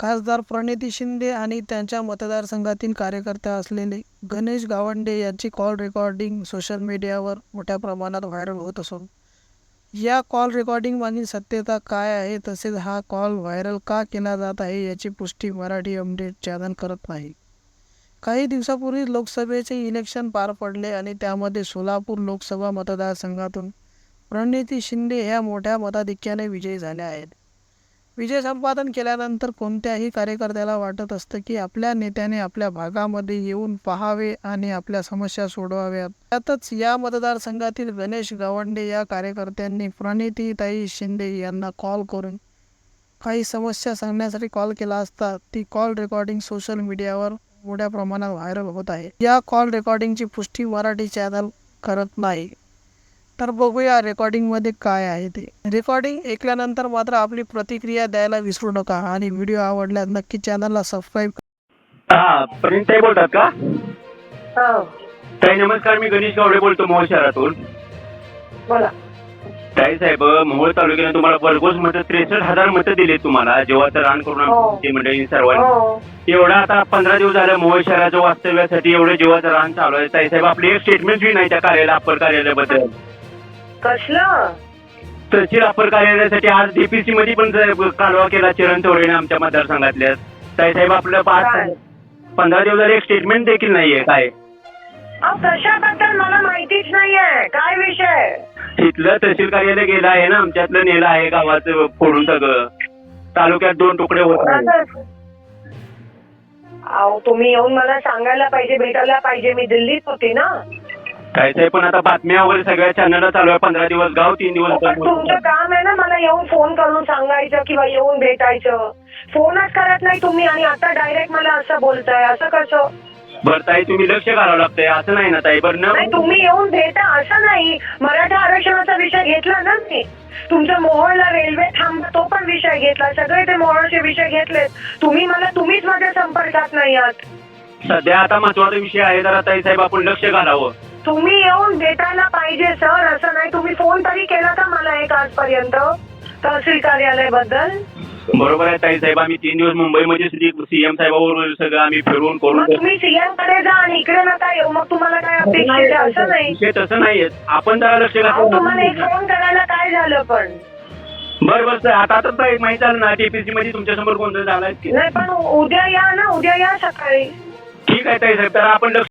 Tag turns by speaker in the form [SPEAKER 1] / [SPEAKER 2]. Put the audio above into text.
[SPEAKER 1] खासदार प्रणिती शिंदे आणि त्यांच्या मतदारसंघातील कार्यकर्ता असलेले गणेश गावंडे यांची कॉल रेकॉर्डिंग सोशल मीडियावर मोठ्या प्रमाणात व्हायरल होत असून या कॉल रेकॉर्डिंगमधील सत्यता काय आहे, तसेच हा कॉल व्हायरल का केला जात आहे याची पुष्टी मराठी अपडेट चॅनल करत नाही. काही दिवसापूर्वी लोकसभेचे इलेक्शन पार पडले आणि त्यामध्ये सोलापूर लोकसभा मतदारसंघातून प्रणिती शिंदे ह्या मोठ्या मताधिक्याने विजयी झाल्या आहेत. विजय संपादन केल्यानंतर कोणत्याही कार्यकर्त्याला वाटत असतं की आपल्या नेत्याने आपल्या भागामध्ये येऊन पाहावे आणि आपल्या समस्या सोडवाव्यात. त्यातच या मतदारसंघातील गणेश गावंडे या कार्यकर्त्यांनी प्रणितीताई शिंदे यांना कॉल करून काही समस्या सांगण्यासाठी कॉल केला असता ती कॉल रेकॉर्डिंग सोशल मीडियावर मोठ्या प्रमाणात व्हायरल होत आहे. या कॉल रेकॉर्डिंगची पुष्टी मराठी चॅनल करत नाही. तर बघूया रेकॉर्डिंगमध्ये काय आहे ते. रेकॉर्डिंग ऐकल्यानंतर मात्र आपली प्रतिक्रिया द्यायला विसरू नका आणि व्हिडिओ आवडल्यास नक्की चॅनलला सबस्क्राईब करा.
[SPEAKER 2] हा प्रणिताई बोलतात का?
[SPEAKER 3] हो
[SPEAKER 2] ताई नमस्कार, मी गणेश गावडे बोलतो मोहोळ शहरातून.
[SPEAKER 3] बोला.
[SPEAKER 2] ताई साहेब, मोहोळ तालुक्याने तुम्हाला भरघोस मतं 63,000 मतं दिले तुम्हाला जेव्हा रान करून आमची मंडळी सर्वांनी.
[SPEAKER 3] हो
[SPEAKER 2] एवढा आता 15 दिवस झाले मोहोळ शहराच्या वास्तव्यासाठी एवढं जेव्हाचं रान चालू आहे. ताई साहेब, आपली एक स्टेटमेंट बी नाही त्या कार्यालय अप्पर कार्यालयाबद्दल.
[SPEAKER 3] कसलं?
[SPEAKER 2] तहसील अप्पर कार्यालयासाठी आज डीपीसी मध्ये पण कालवा केला चरण चौरेने आमच्या मतदारसंघातल्या. ताई साहेब, आपलं 15 दिवस झाले एक स्टेटमेंट देखील नाहीये. काय
[SPEAKER 3] कशाबद्दल मला माहितीच नाहीये. काय विषय?
[SPEAKER 2] इथलं तहसील कार्यालय गेलं आहे ना, आमच्यातलं नेलं आहे गावाचं फोडून सगळं. तालुक्यात 2 तुकडे होत आहेत.
[SPEAKER 3] अहो तुम्ही येऊन मला सांगायला पाहिजे, भेटायला पाहिजे. मी दिल्लीत होती ना.
[SPEAKER 2] काय साहेब, पण आता बातम्या वगैरे सगळ्या चॅनलला चालू आहे. 15 दिवस गाव, 3 दिवस
[SPEAKER 3] पण तुमचं काम आहे ना मला येऊन फोन करून सांगायचं किंवा येऊन भेटायचं. फोनच करत नाही तुम्ही आणि आता डायरेक्ट मला असं बोलताय. असं कसं?
[SPEAKER 2] बरं ताई, तुम्ही लक्ष घालावं लागतंय असं नाही ना ताई. बरं ना,
[SPEAKER 3] नाही तुम्ही येऊन भेटा असं नाही. मराठा आरक्षणाचा विषय घेतला ना मी. तुमचं मोहोळला रेल्वे थांबा तो पण विषय घेतला. सगळे ते मोहोळचे विषय घेतलेत. तुम्हीच माझ्या संपर्कात नाही आहात.
[SPEAKER 2] सध्या आता महत्वाचा विषय आहे जरा ताई साहेब, आपण लक्ष घालावं.
[SPEAKER 3] तुम्ही येऊन भेटायला पाहिजे सर. असं नाही. तुम्ही फोन तरी केला का मला एक आजपर्यंत तहसील कार्यालयाबद्दल?
[SPEAKER 2] बरोबर आहे ताई साहेब, आम्ही 3 दिवस मुंबईमध्ये सीएम साहेबांवर सगळं आम्ही फिरून करून.
[SPEAKER 3] तुम्ही सीएम कडे जा आणि इकडे नका येऊ. मग तुम्हाला काय अपेक्षित आहे? असं नाही.
[SPEAKER 2] विषय तसं नाहीये, आपण जरा लक्ष
[SPEAKER 3] तुम्हाला एक
[SPEAKER 2] घालावं.
[SPEAKER 3] फोन करायला काय झालं पण?
[SPEAKER 2] बरं आता एक माहिती झालं ना, टीपीसी मध्ये तुमच्या समोर कोणतं झालंय की
[SPEAKER 3] नाही पण उद्या या ना. उद्या या सकाळी.
[SPEAKER 2] ठीक आहे ताई साहेब, तर आपण लक्ष